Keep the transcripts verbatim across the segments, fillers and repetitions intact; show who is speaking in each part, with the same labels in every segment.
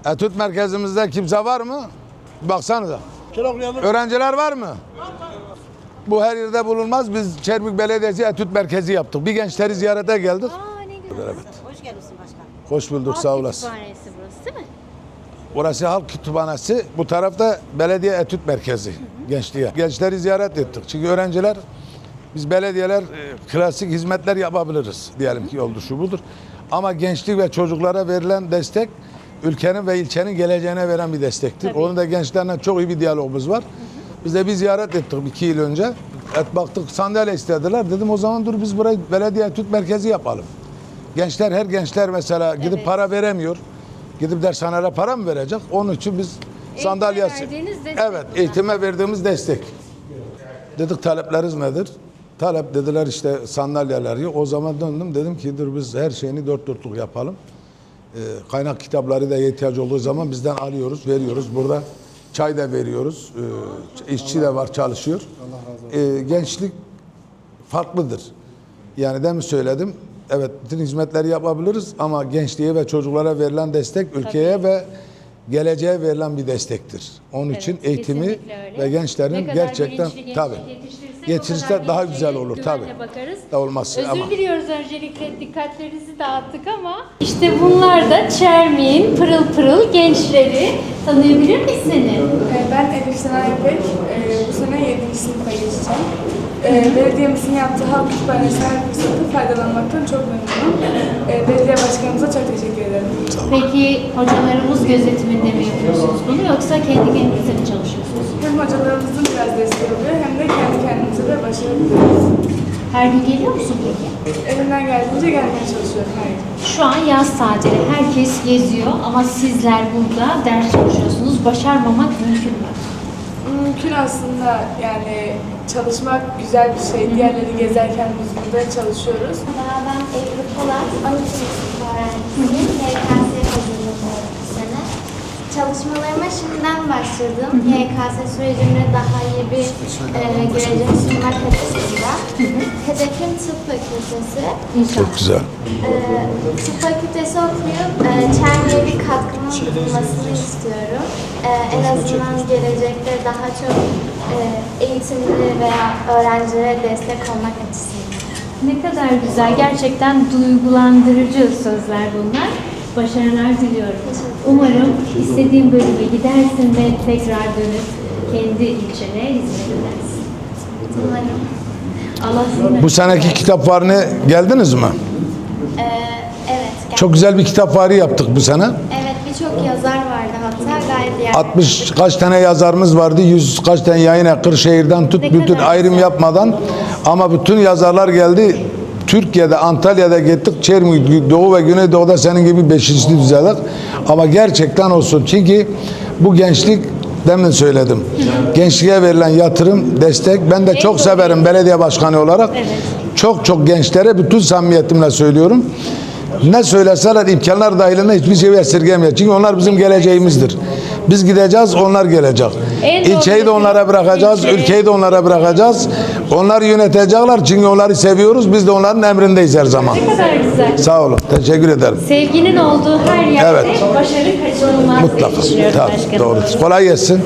Speaker 1: Etüt merkezimizde kimse var mı? Baksanıza. Öğrenciler var mı? Bu her yerde bulunmaz. Biz Çerbük Belediyesi Etüt Merkezi yaptık. Bir gençleri ziyarete geldik.
Speaker 2: Aa, ne güzel.
Speaker 1: Evet.
Speaker 2: Hoş geldiniz başkanım.
Speaker 1: Hoş bulduk,
Speaker 2: Halk
Speaker 1: sağ olasın.
Speaker 2: Kütüphanesi burası değil mi?
Speaker 1: Orası halk kütüphanesi. Bu tarafta belediye etüt merkezi. Hı hı. Gençliğe. Gençleri ziyaret ettik. Çünkü öğrenciler, biz belediyeler e, klasik hizmetler yapabiliriz. Diyelim ki oldu şu budur. Ama gençlik ve çocuklara verilen destek ülkenin ve ilçenin geleceğine veren bir destektir.
Speaker 2: Tabii.
Speaker 1: Onun da gençlerle çok iyi bir diyalogumuz var. Hı hı. Biz de bir ziyaret ettik iki yıl önce. Et baktık, sandalye istediler. Dedim o zaman dur biz burayı belediye etüt merkezi yapalım. Gençler, her gençler mesela gidip
Speaker 2: Evet.
Speaker 1: para veremiyor. Gidip dershanelere para mı verecek? Onun için biz sandalyesi.
Speaker 2: verdiğiniz destek
Speaker 1: Evet,
Speaker 2: bunlar.
Speaker 1: eğitime verdiğimiz destek. Dedik talepleriniz nedir? Talep dediler işte sandalyeler yok. O zaman döndüm dedim ki dur biz her şeyini dört dörtlük yapalım. Ee, kaynak kitapları da ihtiyaç olduğu zaman bizden alıyoruz, veriyoruz. Burada çay da veriyoruz. Ee, işçi de var, çalışıyor. Ee, gençlik farklıdır. Yani demin söyledim. Evet, bütün hizmetleri yapabiliriz ama gençliğe ve çocuklara verilen destek ülkeye ve geleceğe verilen bir destektir. Onun
Speaker 2: Evet,
Speaker 1: için eğitimi
Speaker 2: kesinlikle öyle.
Speaker 1: ve gençlerin
Speaker 2: Ne kadar
Speaker 1: gerçekten
Speaker 2: bilinçli gençlik
Speaker 1: tabii
Speaker 2: yetiştirirsek
Speaker 1: yetişirse
Speaker 2: o kadar
Speaker 1: daha
Speaker 2: geleceğe
Speaker 1: güzel olur
Speaker 2: güvenle
Speaker 1: tabii.
Speaker 2: bakarız.
Speaker 1: Da olması
Speaker 2: Özür
Speaker 1: ama
Speaker 2: diliyoruz öncelikle dikkatlerinizi dağıttık ama işte bunlar da Çermik'in pırıl pırıl gençleri. Tanıyabilir miyiz seni?
Speaker 3: Ee, Ben Elif Sena İpek. Ee, Bu sene yedinci sınıfa geçeceğim. Ee, Belediyemizin yaptığı halk kütüphanesi her fırsatı faydalanmaktan çok memnunum. Ee, Belediye başkanımıza çok teşekkür ederim.
Speaker 2: Peki hocalarımız gözetiminde mi yapıyorsunuz bunu yoksa kendi kendinize mi çalışıyorsunuz?
Speaker 3: Hem hocalarımızın biraz desteği oluyor hem de kendi kendimize de başarabiliyoruz.
Speaker 2: Her gün geliyor musun peki?
Speaker 3: Elimden geldiğince gelmeye çalışıyorum her gün.
Speaker 2: Şu an yaz tatili. Herkes geziyor ama sizler burada ders çalışıyorsunuz. Başarmamak mümkün mü?
Speaker 3: Mümkün aslında, yani çalışmak güzel bir şey. Diğerleri gezerken biz burada çalışıyoruz.
Speaker 4: Merhaba, ben Ebru Polat, on ikinci sınıf öğrencisiyim. Y K S hazırlanıyorum bu sene. Çalışmalarıma şimdiden başladım. Y K S sürecimde daha iyi bir e, gelecek sunmak açısından. Hedefim tıp fakültesi.
Speaker 1: çok güzel.
Speaker 4: E, tıp fakültesi okuyup e, Çermi'ye bir katkımın bulunmasını istiyorum. E, en azından gelecekte daha çok e, eğitimli veya öğrencilere destek olmak açısından.
Speaker 2: Ne kadar güzel. Gerçekten duygulandırıcı sözler bunlar. Başarılar diliyorum. Umarım istediğin bölüme gidersin ve tekrar dönüp kendi ilçene hizmet edersin.
Speaker 4: Umarım.
Speaker 2: Allah seni
Speaker 1: Bu seneki kitap fuarına geldiniz mi?
Speaker 4: Ee, evet. gel-
Speaker 1: Çok güzel bir kitap fuarı yaptık bu sene.
Speaker 4: Evet, birçok yazar vardı hatta gayet yer.
Speaker 1: altmış kaç tane yazarımız vardı, yüz kaç tane yayın Kırşehir'den tut
Speaker 2: Ne
Speaker 1: bütün
Speaker 2: kadar
Speaker 1: ayrım
Speaker 2: güzel.
Speaker 1: yapmadan ama bütün yazarlar geldi. Türkiye'de, Antalya'da gittik. Çermik, Doğu ve Güneydoğu'da senin gibi beşinci düzeydik. Ama gerçekten olsun. Çünkü bu gençlik, demin söyledim. Gençliğe verilen yatırım, destek. Ben de çok severim belediye başkanı olarak. Çok çok gençlere bütün samimiyetimle söylüyorum. Ne söyleseler imkanlar dahilinde hiçbir şey esirgemiyor. Çünkü onlar bizim geleceğimizdir. Biz gideceğiz, onlar gelecek.
Speaker 2: En doğru
Speaker 1: İlçeyi de onlara bırakacağız,
Speaker 2: ilçeyi.
Speaker 1: ülkeyi de onlara bırakacağız. Onlar yönetecekler çünkü onları seviyoruz. Biz de onların emrindeyiz her zaman.
Speaker 2: Ne kadar güzel.
Speaker 1: Sağ olun, teşekkür ederim.
Speaker 2: Sevginin olduğu her yerde
Speaker 1: Evet.
Speaker 2: başarı kaçınılmaz diye
Speaker 1: Mutlaka.
Speaker 2: düşünüyorum
Speaker 1: Tabii,
Speaker 2: başkanım.
Speaker 1: doğru. Kolay gelsin.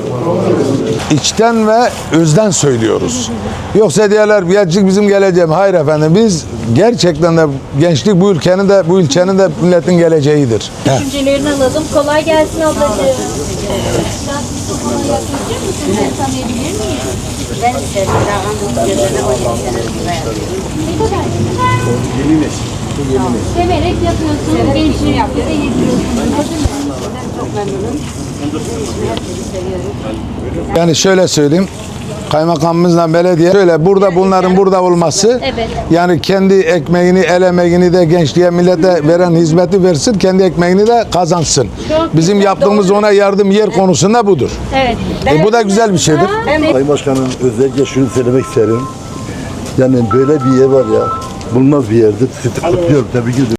Speaker 1: İçten ve özden söylüyoruz. Yoksa diyorlar gençlik bizim geleceğim. Hayır efendim, biz gerçekten de gençlik bu ülkenin de bu ilçenin de milletin geleceğidir. Heh.
Speaker 2: Düşüncelerini alalım. Kolay gelsin ablacığım. Biraz mikrofona yaklaşır mısın? Seni tanıyabilir miyim?
Speaker 5: Ben isterim. Dağın gözlerine on yedi senedir burada yapıyorum.
Speaker 2: Ne kadar güzel.
Speaker 5: Yeni nesil. Bu yeni nesil.
Speaker 2: Severek yapıyorsun. Gençliği bize yediriyorsun.
Speaker 5: Ben çok memnunum. Herkesi seviyorum.
Speaker 1: Yani şöyle söyleyeyim. Kaymakamımızla belediye şöyle burada bunların burada olması
Speaker 2: Evet.
Speaker 1: yani kendi ekmeğini el emeğini de gençliğe millete veren hizmeti versin, kendi ekmeğini de kazansın.
Speaker 2: Çok
Speaker 1: Bizim
Speaker 2: güzel,
Speaker 1: yaptığımız
Speaker 2: doğru.
Speaker 1: ona yardım yer konusunda budur.
Speaker 2: Evet.
Speaker 1: E, bu da güzel bir şeydir.
Speaker 6: Sayın Başkanım, özellikle şunu söylemek isterim. Yani böyle bir yer var ya, bulunmaz bir yerdir. Sizi kutluyorum, tebrik ediyorum.